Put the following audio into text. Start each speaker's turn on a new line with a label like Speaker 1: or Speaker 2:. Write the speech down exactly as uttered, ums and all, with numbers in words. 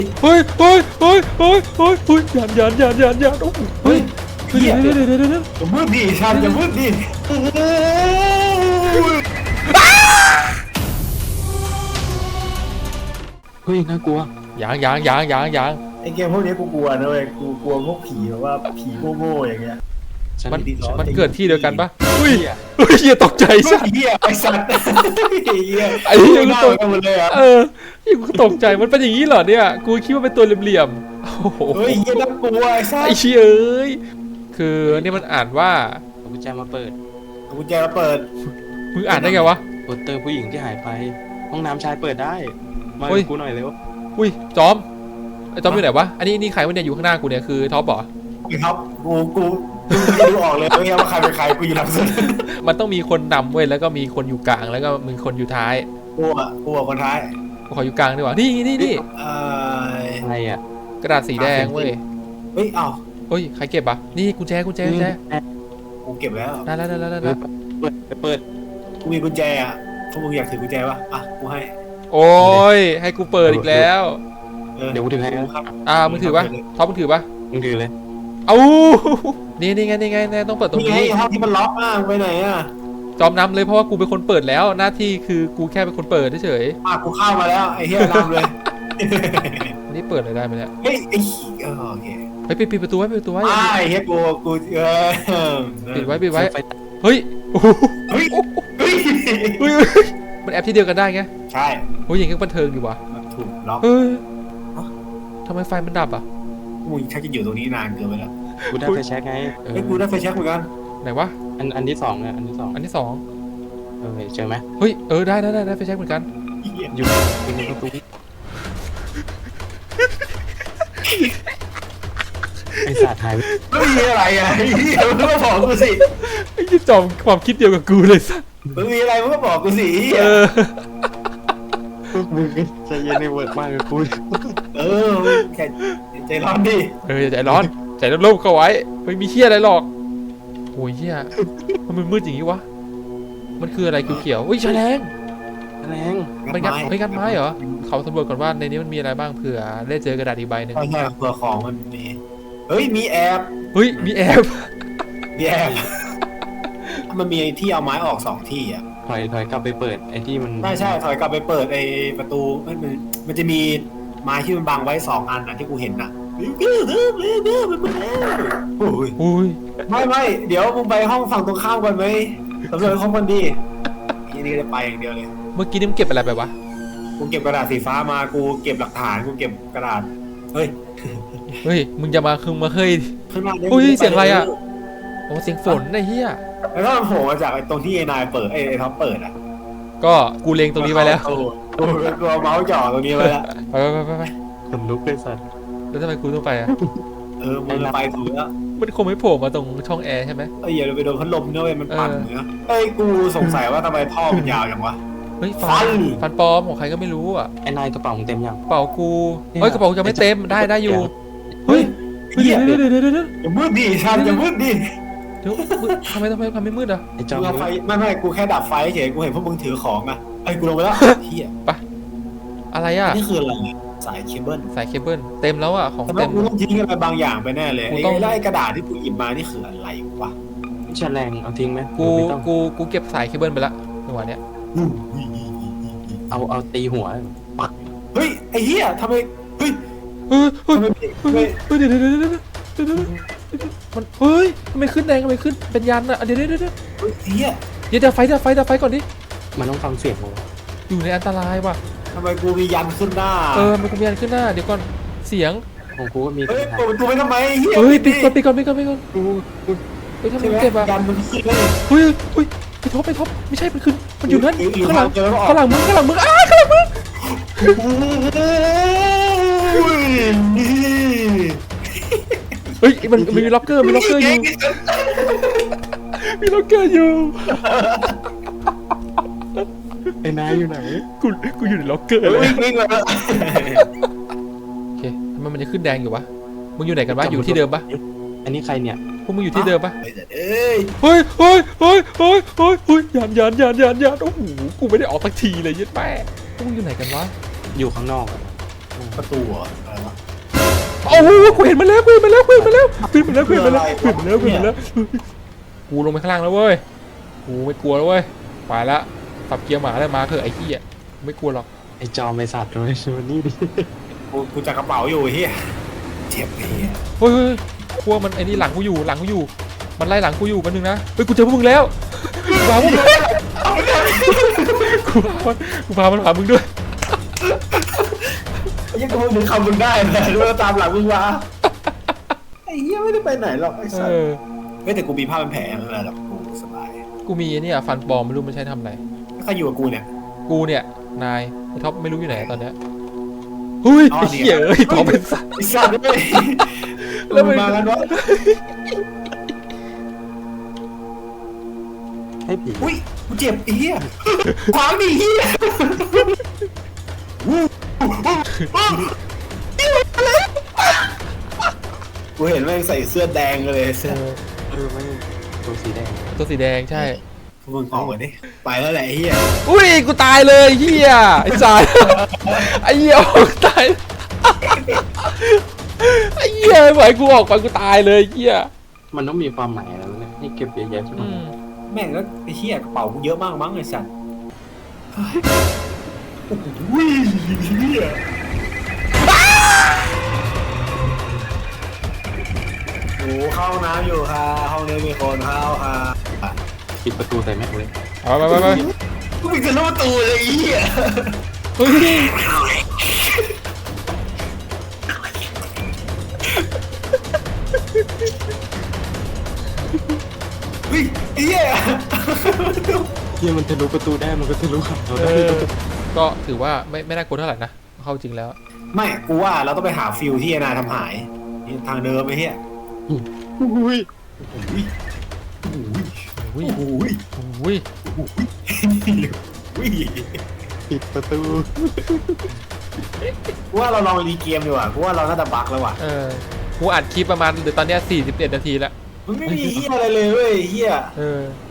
Speaker 1: เฮ้ยเฮ้ยเฮ้ยเฮ้ยเฮ้ยเฮ้ยยันยันยันยันยันโอ้โหเฮ้ยเดี๋ยวเดี๋ยวเดี๋ยวเดี๋ยวเดี๋ยว
Speaker 2: อย่ามืดดิชันอย่ามืดดิโอ้โห
Speaker 3: เฮ้ยน่ากลัว
Speaker 1: ยังยังยังยังยัง
Speaker 2: ไอเกมพวกนี้กูกลัวนะเว้ยกูกลัวพวกผีแบบว่าผีโง่ๆอย่างเงี้ย
Speaker 1: มันมันเกิดที่เดียวกันปะอุ้ยเฮ้ยเฮียตกใจ
Speaker 2: ไอ้
Speaker 1: สัส
Speaker 2: เหี้ยไอ้สัตว์ไอ้เหี้ย
Speaker 1: ไอ้เหี้ย
Speaker 2: กู
Speaker 1: กู
Speaker 2: ต
Speaker 1: ต
Speaker 2: ก
Speaker 1: ก
Speaker 2: กันหมดเลยอ่ะ
Speaker 1: เออยี่กูตกใจมันเป็นอย่างนี้เหรอเนี่ยกูคิดว่าเป็นตัวเหลี่ยมๆโอ้โห
Speaker 2: เฮ้ยเหี้ยน่ากลัวไอ้สัต
Speaker 1: ไอ้
Speaker 2: ว์
Speaker 1: เชี่ยเอ้ยคือนี่มันอ่านว่า
Speaker 3: เอากุญแจมาเปิด
Speaker 2: เอากุญแจมาเปิด
Speaker 1: มึงอ่านได้ไงวะ
Speaker 3: โปสเตอร์ผู้หญิงที่หายไป ห้องน้ำชายเปิดได้ มา
Speaker 1: เฮ้ย
Speaker 3: กูหน่อยเร็ว
Speaker 1: อุ้ยจอมไอ้จอมอยู่ไหนวะอันนี้นี่ใครวะเนี่ยอยู่ข้างหน้ากูเนี่ยคือท็อปเหรอ
Speaker 2: ไอ้ครับกูกูกูจะดูออกเลยว่าใครเป็นใครกูอยู่หลังสุด
Speaker 1: มันต้องมีคนนำเว้ยแล้วก็มีคนอยู่กลางแล้วก็มีคนอยู่ท้าย
Speaker 2: กูอ่ะกูอ่ะคนท้าย
Speaker 1: กูขออยู่กลางดีกว่านี่นี่นี่
Speaker 2: เอ่อ
Speaker 3: อะไรอ่ะ
Speaker 1: กระดาษสีแดงเว้ย
Speaker 2: เฮ้ยเอ้า
Speaker 1: เฮ้ยใครเก็บอ่ะนี่กุญแจกุญแจกุญแจ
Speaker 2: กูเก็บแล้ว
Speaker 1: ได้แล้วได้แล้วได้
Speaker 3: เปิ
Speaker 1: แล้
Speaker 3: ด
Speaker 1: ว
Speaker 3: เปิดเปิด
Speaker 2: กูมีกุญแจอ่ะพวกมึงอยากถือกุญแจปะอ่ะกูให้
Speaker 1: โอ้ยให้กูเปิดอีกแล้ว
Speaker 2: ออ
Speaker 3: เดี๋ยวกูถือให้
Speaker 2: ครับ
Speaker 1: อ่ามึงถือปะท็อปมึงถือปะ
Speaker 3: มึงถือเลย
Speaker 1: เอ้านี่นี่ไงนี่ไงนี่ต้องเปิดตรง
Speaker 2: นี่ไง
Speaker 1: นี้
Speaker 2: ห้องที่มันล็อกอ่ะมึงไปไหนอ่ะ
Speaker 1: จอมนำเลยเพราะว่ากูเป็นคนเปิดแล้วหน้าที่คือกูแค่เป็นคนเปิดเฉย
Speaker 2: อ่ะกูเข้ามาแล้วไอ้เหี้ยนำเลย
Speaker 1: ๆนี่เปิดเลยได้ไหมเนี่ย
Speaker 2: เฮ้ยไอ้ขี้เออโอเค
Speaker 1: ไปปิดปิดประตูไว้ปิดประตูไว้
Speaker 2: อ่าไอ้เหี้ยกูกูเออ
Speaker 1: ปิดไว้ปิดไว้
Speaker 3: ไฟ
Speaker 1: เฮ้ยโอ้โห
Speaker 2: เฮ้ยเฮ้ย
Speaker 1: เฮ้ยเฮ้ยมันแอปที่เดียวกันได้ไง
Speaker 2: ใช่
Speaker 1: โอ้ยอย่างงี้ก็บันเทิงอยู่วะ
Speaker 2: มันถูกล็อก
Speaker 1: เฮ้ยทำไมไฟมันดับอ่ะ
Speaker 2: มึงชักจะอยู่ตรงนี้นานเกินไปแล้ว
Speaker 3: กูได้ไฟแช็กไง
Speaker 1: เออ
Speaker 2: เฮ้ยกูได้ไฟแช็กเหมือนกัน
Speaker 1: ไหนวะ
Speaker 3: อันอันที่สองเนี่ยอันที่สอง
Speaker 1: อันที่สอง
Speaker 3: เออเจอไหม
Speaker 1: เฮ้ยเออได้ได้ได้ได้ไฟแช็กเหมือนกัน
Speaker 2: เหี้ย
Speaker 3: อยู่อยู่ในประตูไอ้สัตว์หายไป
Speaker 2: ไม่มีอะไรอ่ะไอ้เหี้ยมึงก็บอกกูสิ
Speaker 1: ไอ้ที่จอมความคิดเดียวกับกูเลยสัส
Speaker 2: มึงมีอะไรมึงก็บอกกูสิไอ้เหี้ย
Speaker 1: เออ
Speaker 3: มึงใจเย็นในเวิร์ดมากเลยกู
Speaker 2: เออมึงแค่ใจร้อนดิ
Speaker 1: เอออย่าใจร้อนใจร่มๆเข้าไว้ไม่มีเหี้ยอะไรหรอกโอ้ยเหี้ยมันมืดๆอย่างงี้วะมันคืออะไรเขียวๆอุ้ยแฉลง
Speaker 3: แรง
Speaker 1: มันงัดไม่งัดไม้เหรอเขาสำรวจก่อนว่าในนี้มันมีอะไรบ้างเผื่อได้เจอกระดาษอีกใบหนึ่ง
Speaker 2: ใช่ใช่เผื่อของมันมีเฮ้ยมีแอบ
Speaker 1: เฮ้ยมีแอบ
Speaker 2: มีแอบมันมีที่เอาไม้ออกสองที่อ่ะ
Speaker 3: ถอยถอยกลับไปเปิดไอ้ที่มัน
Speaker 2: ใช่ใช่ถอยกลับไปเปิดไอ้ประตูมันมันมันจะมีไม้ที่มันบังไว้สองอันอ่ะที่กูเห็นอ่ะโอ้ย
Speaker 1: อุ้ย
Speaker 2: ไม่ไม่เดี๋ยวมึงไปห้องฝั่งตรงข้ามก่อนไหมสำรวจห้องมันดีทีนี้จะไปอย่างเดียวเลย
Speaker 1: เมื่อกี้นี่มันเก็บอะไรไปวะ
Speaker 2: กูเก็บกระดาษสีฟ้ามากูเก็บหลักฐานกูเก็บกระดาษเฮ้ย
Speaker 1: เฮ้ยมึงจะมาคึงมาเฮ้ย
Speaker 2: ข้างหน้า
Speaker 1: อุ้ยเสียงอะไรอะ โอ้เสียงฝนไอ้เหี้ย
Speaker 2: แล้วก็มันโผล่มาจากไอ้ตรงที่ไอ้นายเปิดไอ้ไอ้ท็อปเปิดอ่ะ
Speaker 1: ก็กูเลงตรงนี้ไปแล้ว
Speaker 2: กูกูกูเอาเมาส์จ่อตรงนี้ไว้แล้ว
Speaker 1: ไปไปไปไป
Speaker 3: ขนลุกเลยสัตว์
Speaker 1: แล้วทำไมกูต้องไปอ่ะ
Speaker 2: เออมึงไปถูกแล้ว
Speaker 1: มันคงไม่โผล่มาตรงช่องแอร์ใช่ไหม
Speaker 2: เอ้ยอย่าไปโดนพัดลมนะเว้ยมันปั่น
Speaker 1: เออ
Speaker 2: เนื้อเอ้ยกูสงสัยว่าทำไมท่อมันยาวอย่างวะ
Speaker 1: เฮ้ย
Speaker 2: ฟั
Speaker 1: ฟัน
Speaker 2: น
Speaker 1: ฟันปลอมของใครก็ไม่รู้อ่ะ
Speaker 3: ไอ้นายกระเป๋ามึงเต็มยัง
Speaker 1: กระเป๋ากูเฮ้ยกระเป๋ากูยังไม่เต็มได้ได้อยู่เฮ้ยเฮ้ย
Speaker 2: เหี้ย
Speaker 1: เดี๋ยวเดี๋ยวเดี๋ยวเดี๋ยวเดี๋ยว
Speaker 2: อย่ามืดดิชันอย่ามืดดิ
Speaker 1: เดี๋ยวมืดทำไมทำไมทำไมมืดอ่ะ
Speaker 3: ไอ้จอ
Speaker 2: มึ
Speaker 3: ม
Speaker 2: งเอาไฟไม่ไม่กูแค่ดับไฟเฉยกูเห็นพวกมึงถือของอ่ะไอ้ยกูลงไปแล้วเฮีย
Speaker 1: อะไรอ่ะ
Speaker 2: นี่คืออะไรสายเคเบิล
Speaker 1: สายเคเบิลเต็มแล้วอ่ะของ
Speaker 2: แต่
Speaker 1: เต็
Speaker 2: ว่าม กูต้องทิ้งอะไรบางอย่างไปแน่เลย
Speaker 1: กู
Speaker 2: ไอ้
Speaker 1: ต้อง
Speaker 2: ไล่กระดาษที่กูหยิบมานี่คืออะไรวะ
Speaker 3: แฉลงเอาทิ้งไหม
Speaker 1: กู
Speaker 3: ไม่ต้อง
Speaker 1: กูกูเก็บสายเคเบิลไปละจังหวะเนี้ย
Speaker 3: เอาเอาตีหัวปัก
Speaker 2: เฮ้ยไอ้เหี้ยทำไมเฮ้ย
Speaker 1: เฮ้ยเฮ้ย
Speaker 2: ทำไมไม่
Speaker 1: เฮ้ยเดี๋ยวเดี๋ยวเดี๋ยวเดี๋ยวเดี๋ยวเดี๋ยวมันเฮ้ยทำไมขึ้นแดงทำไมขึ้นเป็นยันอ่ะเดี๋ยวเดี๋ยวเดี๋ยวเดี๋ยว
Speaker 2: เฮ้ยไอ้เหี้ย
Speaker 1: เดี๋ยวเดี๋ยวไฟเดี๋ยวไฟเดี๋ยวไฟก่อนดิ
Speaker 3: มันต้องฟังเสียงของ
Speaker 1: อยู่ในอันตรายว่ะ
Speaker 2: ทำไมกูมียันขึ้นหน้า
Speaker 1: เออมันกูมียันขึ้นหน้าเดี๋ยวก่อนเสียง
Speaker 3: ของกูก็มี
Speaker 2: เฮ้ย
Speaker 3: ปัญหา
Speaker 2: เปิดประตูไปทำไมไอ้เหี้ย
Speaker 1: เฮ้ยปิดก่อนปิดก่อนปิดก่อนปิดก่อน
Speaker 3: กูกู
Speaker 1: เฮ้ยทำไม
Speaker 2: ใช่ไหม
Speaker 1: เก็บอ่ะ
Speaker 2: ยันมันขึ้นเลย
Speaker 1: เฮ้ยเฮ้ยไปท็อปไปท็อปไม่ใช่มันขึ้นมันอยู่นั่น
Speaker 2: หรือหรือ
Speaker 1: ข้างหลัง
Speaker 2: เจอแล้วออก
Speaker 1: ข้างหลังมึงข้างหลังมึงอ้าข้างหลังมึง
Speaker 2: โอ้ยนี่
Speaker 1: เฮ้ยมันมันมีล็อกเกอร์มีล็อกเกอร์อยู่มีล็อกเกอร์อยู่
Speaker 3: ไอ้นายอยู่ไหน
Speaker 1: กูกูอยู่ในล็อกเกอร์เลย
Speaker 2: วิ่งวิ่งมาแล้ว
Speaker 1: โอเคทำไมมันจะขึ้นแดงอยู่วะมึงอยู่ไหนกันวะอยู่ที่เดิมปะ
Speaker 3: อันนี้ใครเนี่ย
Speaker 1: พวกมึงอยู่ที่เดิมปะ
Speaker 2: เอ้ย
Speaker 1: เฮ้ยเฮ้ยเฮ้ยเฮ้ยเฮ้ยเฮ้ยยันยันยันยันยันโอ้โหกูไม่ได้ออกสักทีเลยยัดแม่พวกมึงอยู่ไหนกันวะ
Speaker 3: อยู่ข้างนอกอะ
Speaker 2: ประตูเหรอเออวะ
Speaker 1: โอ้โหกูเห็นมันแล้วกูเห็นมันแล้วกูเห็นมันแล้วกูเห็นมันแล้วกูเห็นมันแล้วกูเห็นมันแล้วกูเห็นมันแล้วกูลงไปข้างล่างแล้วเว้ยกูไม่กลัวแล้วเว้ยไปละสับเกียร์หมาได้มาเถอะไอ้ขี้อ่ะไม่กลัวหรอก
Speaker 3: ไอ้จอมไอ้สัตว์เลยชวนนี่ดิ
Speaker 2: กูกูจับกระเป๋าอยู่เฮียเจ็บไอ้เฮีย
Speaker 1: เฮ้ยเฮ้ยกลัวมันไอ้นี่หลังกูอยู่หลังกูอยู่มันไล่หลังกูอยู่กันนึงนะเฮ้ยกูเจอพวกมึงแล้วกูพาพวกมึงกูพามันกูพามันหามึงด้วย
Speaker 2: ยังกูถึงคำมึงได้เลยด้วยตามหลังมึงวะไอ้เฮียไม่ได้ไปไหนหรอกไอ้สัส
Speaker 1: เออ
Speaker 2: ไม่แต่กูมีผ้าเป็นแผลไม่เป็นไรหรอกกูสบาย
Speaker 1: กูมีไอ้เนี่ยฟันปลอมไม่รู้มันใช้ทำอะไร
Speaker 2: ถ้าใครอยู่กับกูเนี่ย
Speaker 1: กูเนี่ยนายไอ้ท็อปไม่รู้อยู่ไหนตอนเนี้ยเฮ้ย
Speaker 2: อ๋อ
Speaker 1: ไอ้
Speaker 2: นี่
Speaker 1: เหี้ยเอ้ยท็อปเป็นสัตว์
Speaker 2: ไอ้สัสด้วย
Speaker 1: แล้
Speaker 2: แล้ว ว
Speaker 1: มั
Speaker 2: มัน นมากันวะ
Speaker 3: ให้ผี
Speaker 2: อุ้ยกูเจ็บไอ้เฮียขวางดิเฮียกูเห็นแม่งใส่เสื้อแดงเลยเสื้อ
Speaker 3: เออไม่ตัวสีแดง
Speaker 1: ตัวสีแดงใช่
Speaker 2: มึงออกมาดิไปแล้วแหละไอ้เฮีย
Speaker 1: อุ้ยกูตายเลยเหี้ยไอ้สายไอ้เหี้ยออกตายไอ้เหี้ยไม่ไหวกูออกไปกูตายเลยเหี้ย
Speaker 3: มันต้องมีความหมายอะไรวะเนี่ยให้เก็บเยอะแยะใช่ไหม
Speaker 1: อืม
Speaker 2: แม่งแล้วไอ้เฮียกระเป๋ากูเยอะมากมั้งไอ้สัสอุ้ยเฮียโอ้เข้าน้ำอยู่ค่ะห้องนี้มีคนเข้าค่ะ
Speaker 3: ปิดประตูใส่แม่งเลย
Speaker 1: เอาไปไปไป
Speaker 2: กูมีจะรู้ประตูเลยไอ้เฮีย
Speaker 1: เฮ้ย
Speaker 2: เฮ้ยไอ้เฮีย
Speaker 3: เฮียมันทะลุประตูได้มันก็ทะลุขับเรา
Speaker 1: เอ
Speaker 3: ได้
Speaker 1: อก็ถือว่าไม่ไม่น่ากลัวเท่าไหร่นะเข้าจริงแล้ว
Speaker 2: ไม่กูว่าเราต้องไปหาฟิลที่นาทำหายนี่ทางเดิมไอ้เฮีย
Speaker 3: อุ้ย
Speaker 2: อุ้ยอุ้ย
Speaker 1: อุ้ย
Speaker 2: อุ้ย
Speaker 1: อุ้ย
Speaker 2: อุ้ย
Speaker 3: ปิดประตู
Speaker 2: กูว่าเราลองรีเกมดีกว่ากูว่าเราน่าจะบั๊กแล้วว่ะ
Speaker 1: เออกูอัดคลิปประมาณเดี๋ยวตอนเนี้ยสี่สิบเอ็ดนาทีแล้ว
Speaker 2: มันไม่มีเฮียอะไรเลยเว้ยเฮีย
Speaker 1: เออ